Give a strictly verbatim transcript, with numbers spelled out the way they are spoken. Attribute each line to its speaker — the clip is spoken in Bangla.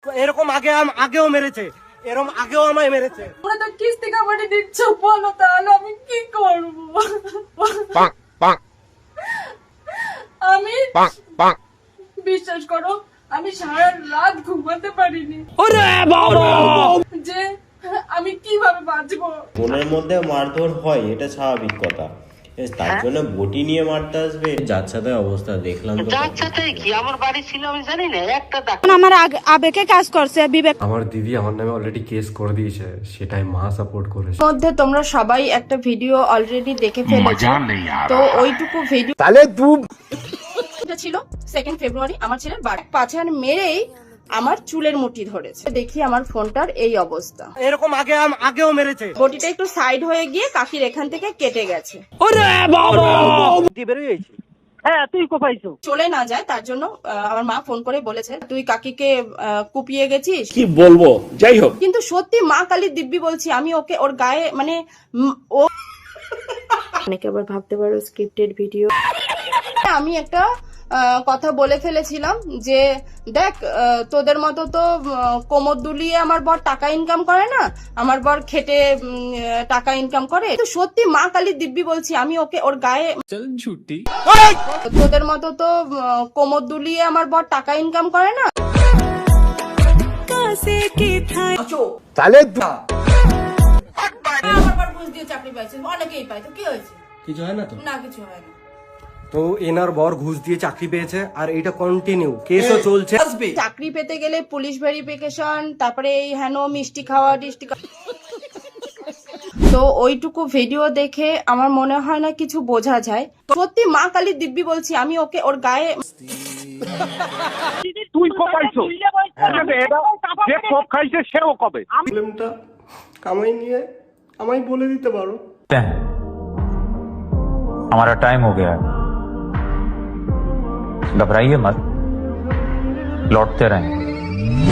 Speaker 1: এরকম আগে আগেও মেরেছে, এরকম আগেও আমায় মেরেছে।
Speaker 2: তোমরা তো কিস্তি কাবাডি দিচ্ছ, বলো তাহলে আমি কি করবো? আমি বিশ্বাস করো, আমি সারা রাত ঘুমাতে পারিনি যে আমি কিভাবে বাঁচবো।
Speaker 3: মনের মধ্যে মারধর হয়, এটা স্বাভাবিক কথা। তার জন্য বটি নিয়ে মারতে আসবে? যার সাথে অবস্থা দেখলাম তো।
Speaker 4: যার সাথে কি আমার বাড়ি ছিল আমি জানি না, একটা
Speaker 5: আমার আবেগে কাজ করছে, বিবেক।
Speaker 6: আমার দিদি আমার নামে অলরেডি কেস করে দিয়েছে, সেটাই মা সাপোর্ট করেছে।
Speaker 2: মধ্যে তোমরা সবাই একটা ভিডিও অলরেডি দেখে ফেলেছো, তো ওইটুকু ভিডিও
Speaker 1: তাহলে তুই
Speaker 2: ছিল সেকেন্ড ফেব্রুয়ারি আমার ছেলের বার্থডে। পাছার মেরেই আমার চুলের মুঠি ধরেছে। দেখি আমার ফোনটার এই অবস্থা।
Speaker 1: এরকম আগে আগেও মেরেছে।
Speaker 2: বটিটা একটু সাইড হয়ে গিয়ে কাকির এখান থেকে কেটে গেছে।
Speaker 1: হ্যাঁ তুই কোপাইছো
Speaker 2: চলে না যায় তার জন্য আহ, আমার মা ফোন করে বলেছে তুই কাকিকে আহ, কুপিয়ে গেছিস।
Speaker 7: কি বলবো, যাই হোক।
Speaker 2: কিন্তু সত্যি মা কালীর দিব্যি বলছি, আমি ওকে ওর গায়ে মানে উম, ও অনেকে আবার ভাবতে পারো স্ক্রিপ্টেড ভিডিও। আমি একটা আহ, কথা বলে ফেলেছিলাম যে দেখ আহ, তোদের মতো তো আহ, কোমর দুলিয়ে আমার বর টাকা ইনকাম করে না, আমার বর খেটে উম, আহ, টাকা ইনকাম করে। তো সত্যি মা কালীর দিব্যি বলছি, আমি ওকে ওর গায়ে ছুটি তোদের মতো তো আহ, কোমর দুলিয়ে আমার বর টাকা ইনকাম করে না।
Speaker 1: তাহলে
Speaker 2: আমার বর ঘুষ দিয়ে চাকরি পাইছে, অনেকেই পায়, তো কি হয়েছে?
Speaker 1: কিছু হয় না তো?
Speaker 2: না, কিছু হয় না।
Speaker 1: তো এনার বর ঘুষ দিয়ে চাকরি পেয়েছে আর এটা কন্টিনিউ কেসও চলছে।
Speaker 2: চাকরি পেতে গেলে পুলিশ ভেরিফিকেশন, তারপরে এই হেন মিষ্টি খাওয়া টিষ্টি খাওয়া। তো ওইটুকু ভিডিও দেখে আমার মনে হয় না কিছু বোঝা যায়। সত্যি মা কালীর দিব্যি বলছি, আমি ওকে ওর গায়ে
Speaker 7: তুই কোপাইছো, যে কোপ খাইছে সেও কবে।
Speaker 1: প্রবলেমটা কামাই নিয়ে আমায় বলে দিতে পারো।
Speaker 8: हमारा टाइम हो गया है, घबराइए मत, लौटते रहें।